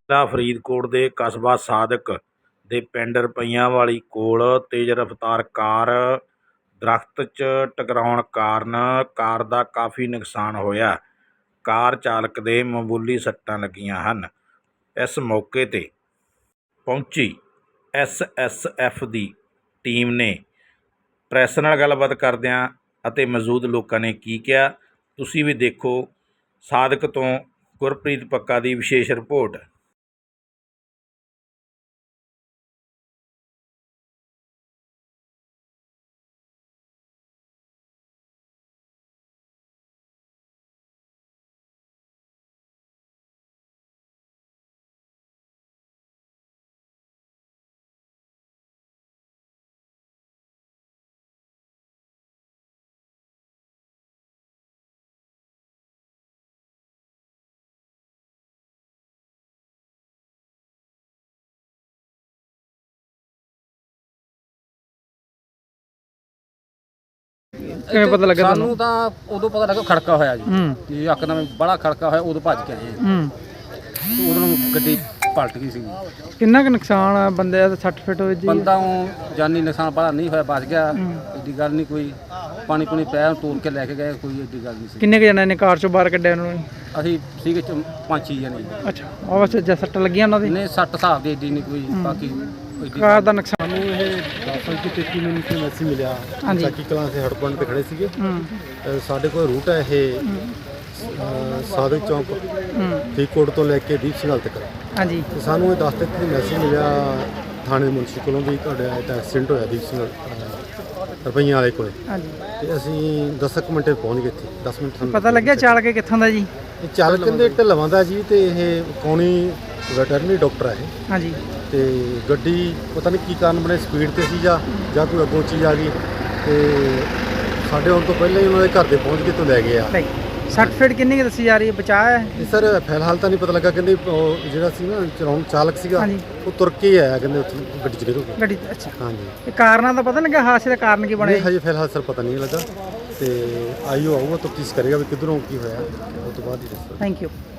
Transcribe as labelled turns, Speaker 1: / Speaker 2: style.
Speaker 1: ਜ਼ਿਲ੍ਹਾ ਫਰੀਦਕੋਟ ਦੇ ਕਸਬਾ ਸਾਦਿਕ ਦੇ ਪਿੰਡ ਰੁਪਈਆਂ ਵਾਲੀ ਕੋਲ ਤੇਜ਼ ਰਫ਼ਤਾਰ ਕਾਰ ਦਰੱਖਤ 'ਚ ਟਕਰਾਉਣ ਕਾਰਨ ਕਾਰ ਦਾ ਕਾਫੀ ਨੁਕਸਾਨ ਹੋਇਆ। ਕਾਰ ਚਾਲਕ ਦੇ ਮਾਮੂਲੀ ਸੱਟਾਂ ਲੱਗੀਆਂ ਹਨ। ਇਸ ਮੌਕੇ 'ਤੇ ਪਹੁੰਚੀ SSF ਦੀ ਟੀਮ ਨੇ ਪ੍ਰੈਸ ਨਾਲ ਗੱਲਬਾਤ ਕਰਦਿਆਂ ਅਤੇ ਮੌਜੂਦ ਲੋਕਾਂ ਨੇ ਕੀ ਕਿਹਾ, ਤੁਸੀਂ ਵੀ ਦੇਖੋ। ਸਾਦਿਕ ਤੋਂ ਗੁਰਪ੍ਰੀਤ ਪੱਕਾ ਦੀ ਵਿਸ਼ੇਸ਼ ਰਿਪੋਰਟ।
Speaker 2: ਕਿਵੇਂ ਪਤਾ ਲੱਗਾ
Speaker 3: ਸਾਨੂੰ ਤਾਂ ਉਦੋਂ ਪਤਾ ਲੱਗਾ ਖੜਕਾ ਹੋਇਆ ਜੀ ਯਕਦਮ ਬੜਾ ਖੜਕਾ ਹੋਇਆ, ਉਦੋਂ ਭੱਜ ਕੇ ਆਏ ਉਦੋਂ ਨੂੰ ਗੱਡੀ ਪਲਟ ਗਈ ਸੀ।
Speaker 2: ਕਿੰਨਾ ਕੁ ਨੁਕਸਾਨ ਆ ਬੰਦੇ ਦਾ? 60 ਫਿਟ ਹੋਏ ਜੀ
Speaker 3: ਬੰਦਾ ਉਹ ਜਾਨੀ ਨੁਕਸਾਨ ਬੜਾ ਨਹੀਂ ਹੋਇਆ, ਬਚ ਗਿਆ। ਏਡੀ ਗੱਲ ਨਹੀਂ ਕੋਈ, ਪਾਣੀ ਪੂਣੀ ਪਿਆ ਤੋੜ ਕੇ ਲੈ ਕੇ ਗਏ, ਕੋਈ ਏਡੀ ਗੱਲ ਨਹੀਂ ਸੀ।
Speaker 2: ਕਿੰਨੇ ਕੁ ਜਣਿਆਂ ਨੇ ਕਾਰ ਚੋਂ ਬਾਹਰ ਕੱਢਿਆ ਉਹਨਾਂ ਨੂੰ?
Speaker 3: ਅਸੀਂ ਸੀਗੇ 5-6 ਜਣੇ।
Speaker 2: ਅੱਛਾ, ਉਹ ਵੈਸੇ ਜੇ ਸੱਟ ਲੱਗੀਆਂ ਉਹਨਾਂ ਦੀ?
Speaker 3: ਨਹੀਂ, 60 ਹਿਸਾਬ ਦੀ ਏਡੀ ਨਹੀਂ ਕੋਈ, ਬਾਕੀ
Speaker 2: ਕਾਰ ਦਾ ਨੁਕਸਾਨ।
Speaker 4: ਸਾਨੂੰ ਇਹ 10:33 ਮਿੰਟ ਤੇ ਮੈਸੇਜ ਮਿਲਿਆ।
Speaker 2: ਹਾਂਜੀ।
Speaker 4: ਸਾਕੀ ਕਲਾਂ ਸੇ ਹੜਪੰਡ ਤੇ ਖੜੇ ਸੀਗੇ। ਸਾਡੇ ਕੋਲ ਰੂਟ ਹੈ ਇਹ ਸਾਦਿਕ ਚੌਂਕ ਫਰੀਦਕੋਟ ਤੋਂ ਲੈ ਕੇ ਦੀਪ ਸਿੰਘਾਲ ਤੱਕ।
Speaker 2: ਹਾਂਜੀ।
Speaker 4: ਤੇ ਸਾਨੂੰ ਇਹ 10:33 ਮੈਸੇਜ ਮਿਲਿਆ ਥਾਣੇ ਮੁਨਸੀ ਕੋਲੋਂ ਵੀ ਤੁਹਾਡਾ ਐਕਸੀਡੈਂਟ ਹੋਇਆ ਦੀਪ ਸਿੰਘ ਰੁਪਈਆਂ ਵਾਲੇ ਕੋਲ।
Speaker 2: ਹਾਂਜੀ।
Speaker 4: ਤੇ ਅਸੀਂ 10 ਮਿੰਟ ਪਹੁੰਚ ਗਏ ਇੱਥੇ। 10 ਮਿੰਟ ਸਾਨੂੰ
Speaker 2: ਪਤਾ ਲੱਗਿਆ ਚਾਲਕ ਕਿੱਥੋਂ ਦਾ ਜੀ?
Speaker 4: ਇਹ ਚਾਲਕ ਦੇ ਢਲਵਾਂ ਦਾ ਜੀ, ਤੇ ਇਹ ਕੌਣੀ ਵੈਟਰਨਰੀ ਡਾਕਟਰ ਹੈ ਇਹ।
Speaker 2: ਹਾਂਜੀ।
Speaker 4: ਤੇ ਗੱਡੀ ਪਤਾ ਨਹੀਂ ਕੀ ਕਾਰਨ ਬਣੇ, ਸਪੀਡ ਤੇ ਸੀ ਜਾਂ ਕੋਈ ਅੱਗੋਂ ਚੀਜ਼ ਆ ਗਈ, ਤੇ ਸਾਡੇ ਆਉਣ ਤੋਂ ਪਹਿਲਾਂ ਹੀ ਉਹਨਾਂ ਦੇ ਘਰ ਦੇ ਪਹੁੰਚ ਕੇ ਤੋਂ ਲੈ ਗਏ ਆ।
Speaker 2: 60 ਫਿਟ ਕਿੰਨੀ ਕੁ ਦੱਸੀ ਜਾ ਰਹੀ ਹੈ? ਬਚਾਅ ਹੈ?
Speaker 4: ਇਹ ਸਰ ਫਿਲਹਾਲ ਤਾਂ ਨਹੀਂ ਪਤਾ ਲੱਗਾ। ਕਹਿੰਦੇ ਉਹ ਜਿਹੜਾ ਸੀ ਨਾ ਚਲਾਉਣ ਚਾਲਕ ਸੀਗਾ,
Speaker 2: ਹਾਂਜੀ,
Speaker 4: ਉਹ ਤੁਰ ਕੇ ਹੀ ਆਇਆ, ਕਹਿੰਦੇ ਉੱਥੇ ਗੱਡੀ 'ਚ ਨਿਕਲ ਕੇ।
Speaker 2: ਗੱਡੀ ਅੱਛਾ।
Speaker 4: ਹਾਂਜੀ।
Speaker 2: ਇਹ ਕਾਰਨਾਂ ਦਾ ਪਤਾ ਲੱਗਾ? ਹਾਦਸੇ ਦਾ ਕਾਰਨ ਕੀ ਬਣਿਆ?
Speaker 4: ਹਜੇ ਫਿਲਹਾਲ ਸਰ ਪਤਾ ਨਹੀਂ ਲੱਗਾ, ਤੇ ਆਈਓ ਆਊਗਾ ਤਫਤੀਸ਼ ਕਰੇਗਾ ਵੀ ਕਿੱਧਰੋਂ ਕੀ ਹੋਇਆ, ਉਸ ਤੋਂ ਬਾਅਦ ਹੀ ਦੱਸੋ।
Speaker 2: Thank you.